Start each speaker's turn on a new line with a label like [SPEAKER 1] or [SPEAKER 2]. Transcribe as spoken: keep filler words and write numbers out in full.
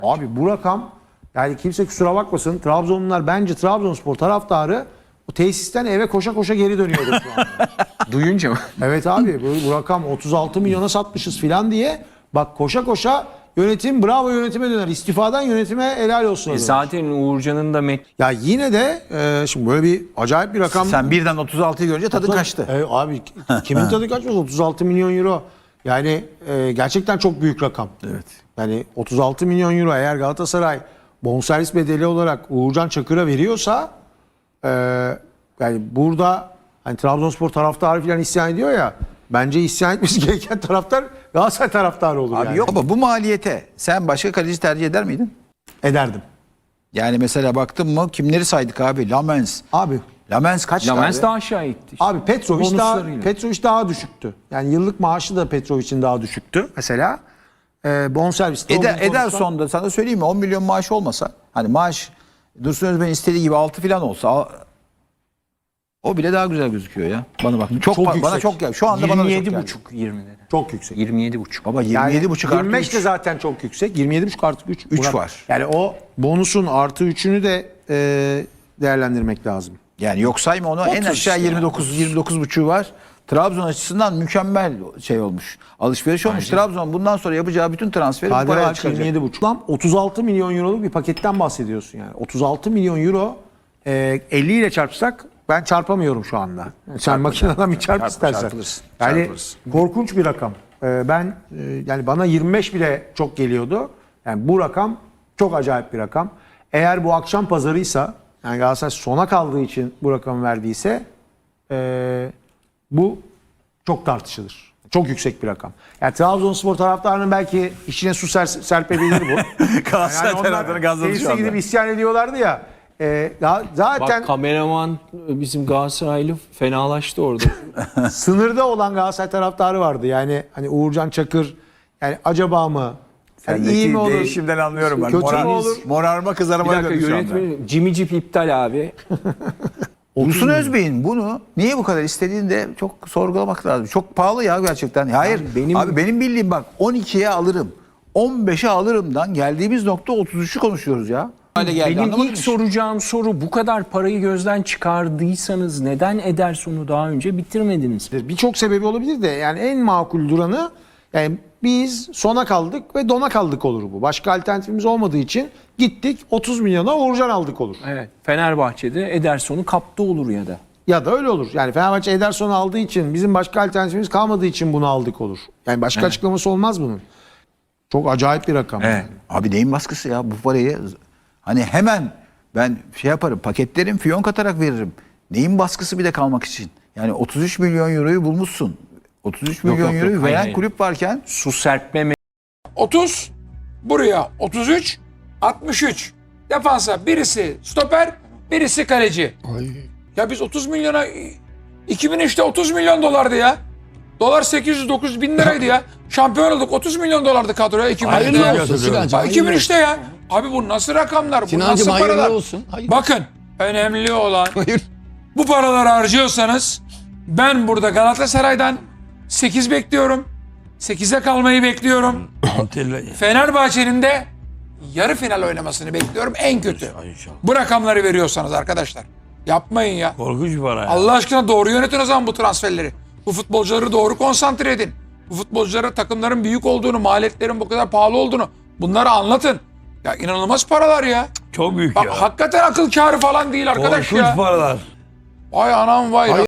[SPEAKER 1] Abi bu rakam, yani kimse kusura bakmasın, Trabzonlular bence Trabzonspor taraftarı o tesisten eve koşa koşa geri dönüyordu şu anda.
[SPEAKER 2] Duyunca mı?
[SPEAKER 1] Evet abi, bu, bu rakam otuz altı milyona satmışız filan diye. Bak koşa koşa yönetim, bravo yönetime döner. İstifadan yönetime helal olsun.
[SPEAKER 2] E zaten Uğurcan'ın da met
[SPEAKER 1] Ya yine de e, şimdi böyle bir acayip bir rakam.
[SPEAKER 3] Sen birden otuz altıyı görünce tadın kaçtı.
[SPEAKER 1] E, abi kimin tadı kaçmaz? otuz altı milyon euro. Yani e, gerçekten çok büyük rakam.
[SPEAKER 3] Evet.
[SPEAKER 1] Yani otuz altı milyon euro eğer Galatasaray bonservis bedeli olarak Uğurcan Çakır'a veriyorsa e, yani burada hani Trabzonspor taraftarı falan isyan ediyor ya, bence isyan etmesi gereken taraftar Galatasaray taraftarı olur
[SPEAKER 3] Abi
[SPEAKER 1] yani.
[SPEAKER 3] yok ama bu maliyete sen başka kaleci tercih eder miydin?
[SPEAKER 1] Ederdim.
[SPEAKER 3] Yani mesela baktın mı kimleri saydık abi? Lamens.
[SPEAKER 1] Abi
[SPEAKER 3] Lamens kaç
[SPEAKER 2] Lamens
[SPEAKER 3] abi?
[SPEAKER 2] daha aşağı itti.
[SPEAKER 1] Abi Petrovic daha,
[SPEAKER 2] Bonuslarıyla.
[SPEAKER 1] Petrovic daha düşüktü. Yani yıllık maaşı da Petrovic'in daha düşüktü mesela. Ee, bonserviste
[SPEAKER 3] Eder,
[SPEAKER 1] olduğu konusunda-
[SPEAKER 3] Ederson'da sana söyleyeyim mi on milyon maaş olmasa hani maaş Dursun Özbek'in istediği gibi altı falan olsa al- o bile daha güzel gözüküyor ya. Bana bak. Çok,
[SPEAKER 1] Çok
[SPEAKER 3] ba- bana
[SPEAKER 1] yüksek.
[SPEAKER 3] çok gel. Şu anda bana da çok
[SPEAKER 2] yirmi yedi
[SPEAKER 3] geldi.
[SPEAKER 2] buçuk yirmi dedi.
[SPEAKER 1] çok yüksek.
[SPEAKER 2] yirmi yedi buçuk.
[SPEAKER 3] Baba
[SPEAKER 1] Yani
[SPEAKER 3] yirmi yedi buçuk artı
[SPEAKER 1] yirmi beş de
[SPEAKER 3] üç.
[SPEAKER 1] zaten çok yüksek. yirmi yedi buçuk artı üç.
[SPEAKER 3] Üç var.
[SPEAKER 1] Yani o bonusun artı üçünü de e, değerlendirmek lazım.
[SPEAKER 3] Yani yok sayma onu en
[SPEAKER 2] otuz
[SPEAKER 3] aşağı
[SPEAKER 2] işte
[SPEAKER 3] yirmi dokuz yirmi dokuz buçuğu var. Trabzon açısından mükemmel şey olmuş. Alışveriş olmuş. Trabzon bundan sonra yapacağı bütün transferi bu
[SPEAKER 1] K D V
[SPEAKER 3] paraya
[SPEAKER 1] artı
[SPEAKER 3] çıkaracak.
[SPEAKER 1] yirmi yedi buçuk. Lan otuz altı milyon euroluk bir paketten bahsediyorsun yani. otuz altı milyon euro e, elli ile çarpsak ben çarpamıyorum şu anda. Sen makineden bir çarp
[SPEAKER 3] Çarp-
[SPEAKER 1] istersen.
[SPEAKER 3] çarpılırız,
[SPEAKER 1] Yani
[SPEAKER 3] çarpılırız.
[SPEAKER 1] korkunç bir rakam. E, ben e, yani bana yirmi beş bile çok geliyordu. Yani bu rakam çok acayip bir rakam. Eğer bu akşam pazarıysa, yani Galatasaray sona kaldığı için bu rakamı verdiyse e, bu çok tartışılır. Çok yüksek bir rakam. Yani Trabzonspor taraftarının belki içine su ser, serpebilir bu.
[SPEAKER 3] Galatasaray
[SPEAKER 1] onlar
[SPEAKER 3] taraftarı gazladı şu
[SPEAKER 1] tesise
[SPEAKER 3] anda.
[SPEAKER 1] gidip isyan ediyorlardı ya. E, ya zaten
[SPEAKER 2] Bak kameraman bizim Galatasaraylı fenalaştı orada.
[SPEAKER 1] sınırda olan Galatasaray taraftarı vardı. Yani hani Uğurcan Çakır, yani acaba mı? Yani iyi mi olur?
[SPEAKER 3] Değişimden anlıyorum ben.
[SPEAKER 1] Kötü
[SPEAKER 3] Morar,
[SPEAKER 1] mü olur?
[SPEAKER 3] Morarma
[SPEAKER 2] Bir
[SPEAKER 3] kızarmaya
[SPEAKER 2] dakika
[SPEAKER 3] döndü şu anda.
[SPEAKER 2] yönetmenim Jimmy Jeep iptal abi.
[SPEAKER 3] Dursun Özbey'in bunu niye bu kadar istediğini de çok sorgulamak lazım. Çok pahalı ya gerçekten. Hayır.
[SPEAKER 2] Yani benim-
[SPEAKER 3] Abi benim bildiğim bak on ikiye alırım. on beşe alırımdan geldiğimiz nokta otuz üçü konuşuyoruz ya. Hale geldi,
[SPEAKER 2] Benim
[SPEAKER 3] anlamadın
[SPEAKER 2] ilk
[SPEAKER 3] mı?
[SPEAKER 2] soracağım soru, bu kadar parayı gözden çıkardıysanız neden Ederson'u daha önce bitirmediniz?
[SPEAKER 1] Birçok sebebi olabilir de yani en makul duranı, yani biz sona kaldık ve dona kaldık olur bu. Başka alternatifimiz olmadığı için gittik otuz milyona Uğurcan aldık olur.
[SPEAKER 2] Evet. Fenerbahçe'de Ederson'u kaptı olur ya da.
[SPEAKER 1] Ya da öyle olur. Yani Fenerbahçe Ederson'u aldığı için, bizim başka alternatifimiz kalmadığı için bunu aldık olur. Yani başka açıklaması olmaz bunun. Çok acayip bir rakam.
[SPEAKER 3] Evet. Abi neyin baskısı ya bu parayı hani hemen ben şey yaparım paketlerim fiyon katarak veririm. Neyin baskısı bir de kalmak için. Yani otuz üç milyon euroyu bulmuşsun. otuz üç milyon
[SPEAKER 2] yok, yok.
[SPEAKER 3] euroyu
[SPEAKER 2] Hayır,
[SPEAKER 3] veren
[SPEAKER 2] hayır.
[SPEAKER 3] kulüp varken
[SPEAKER 2] Su serpme
[SPEAKER 4] otuz buraya otuz üç altmış üç defansa birisi stoper birisi kaleci. Ya biz otuz milyona iki bin üçte otuz milyon dolardı ya. Dolar sekiz yüz dokuz yüz bin liraydı ya. Şampiyon olduk otuz milyon dolardı kadroya iki bin üçte.
[SPEAKER 5] Hayırlı olsun Sinancığım.
[SPEAKER 4] Ha, iki bin üçte ya. Abi bu nasıl rakamlar? Bu
[SPEAKER 5] Sinancığım,
[SPEAKER 4] nasıl
[SPEAKER 5] hayırlı
[SPEAKER 4] paralar?
[SPEAKER 5] olsun. Hayır.
[SPEAKER 4] Bakın önemli olan
[SPEAKER 5] Hayır.
[SPEAKER 4] bu paraları harcıyorsanız ben burada Galatasaray'dan sekiz bekliyorum. sekize kalmayı bekliyorum. Fenerbahçe'nin de yarı final oynamasını bekliyorum en kötü. Bu rakamları veriyorsanız arkadaşlar. Yapmayın ya.
[SPEAKER 6] Korkunç para ya.
[SPEAKER 4] Allah aşkına doğru yönetin o zaman bu transferleri. Bu futbolcuları doğru konsantre edin. Bu futbolculara takımların büyük olduğunu, maliyetlerin bu kadar pahalı olduğunu bunları anlatın. Ya inanılmaz paralar ya.
[SPEAKER 6] Çok büyük
[SPEAKER 4] Bak
[SPEAKER 6] ya.
[SPEAKER 4] hakikaten akıl kârı falan değil arkadaş
[SPEAKER 6] Korkunç
[SPEAKER 4] ya.
[SPEAKER 6] paralar.
[SPEAKER 4] Vay anam vay.